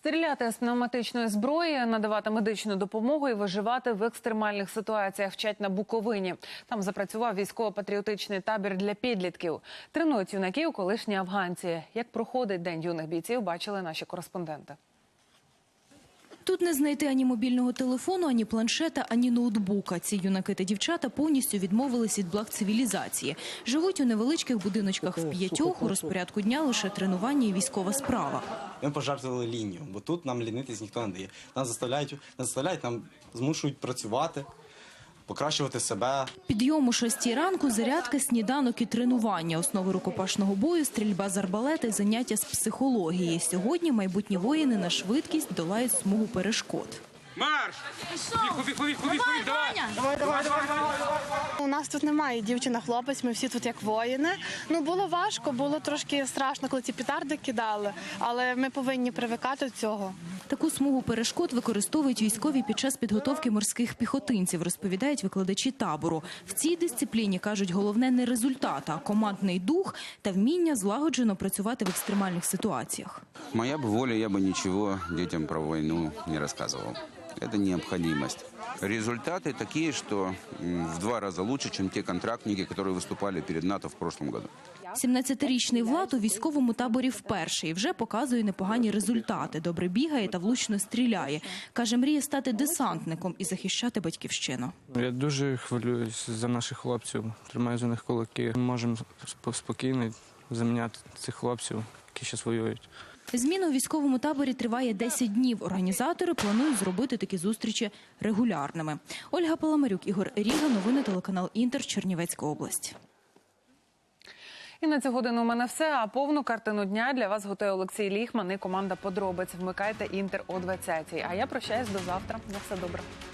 Стріляти з пневматичної зброї, надавати медичну допомогу і виживати в екстремальних ситуаціях вчать на Буковині. Там запрацював військово-патріотичний табір для підлітків. Тренують юнаків колишні афганці. Як проходить День юних бійців, бачили наші кореспонденти. Тут не знайти ані мобільного телефону, ані планшета, ані ноутбука. Ці юнаки та дівчата повністю відмовились від благ цивілізації. Живуть у невеличких будиночках в п'ятьох, у розпорядку дня лише тренування і військова справа. Ми пожертвували лінію, бо тут нам лінитись ніхто не дає. Нас заставляють, нам змушують працювати, покращувати себе. Підйом о 6 ранку, зарядка, сніданок і тренування. Основи рукопашного бою, стрільба з арбалета, заняття з психології. Сьогодні майбутні воїни на швидкість долають смугу перешкод. Марш! Біг, давай! У нас тут немає дівчина-хлопець, ми всі тут як воїни. Було важко, було трошки страшно, коли ці петарди кидали, але ми повинні привикати до цього. Таку смугу перешкод використовують військові під час підготовки морських піхотинців, розповідають викладачі табору. В цій дисципліні, кажуть, головне не результат, а командний дух та вміння злагоджено працювати в екстремальних ситуаціях. Моя бы воля, я бы ничего детям про войну не рассказывал. Это необходимость. Результаты такие, что в 2 раза лучше, чем те контрактники, которые выступали перед НАТО в прошлом году. 17-річний Влад у військовому таборі вперше і вже показує непогані результати. Добре бігає та влучно стріляє. Каже, мріє стати десантником і захищати батьківщину. Я дуже хвилююсь за наших хлопців, тримаю за них кулаки. Ми можемо спокійно заміняти цих хлопців, які зараз воюють. Зміна у військовому таборі триває 10 днів. Організатори планують зробити такі зустрічі регулярними. Ольга Паламарюк, Ігор Ріга, новини телеканал Інтер, Чернівецька область. І на цю годину у мене все, а повну картину дня для вас готує Олексій Ліхман і команда «Подробиць». Вмикайте Інтер о 20-й. А я прощаюсь до завтра. На все добре.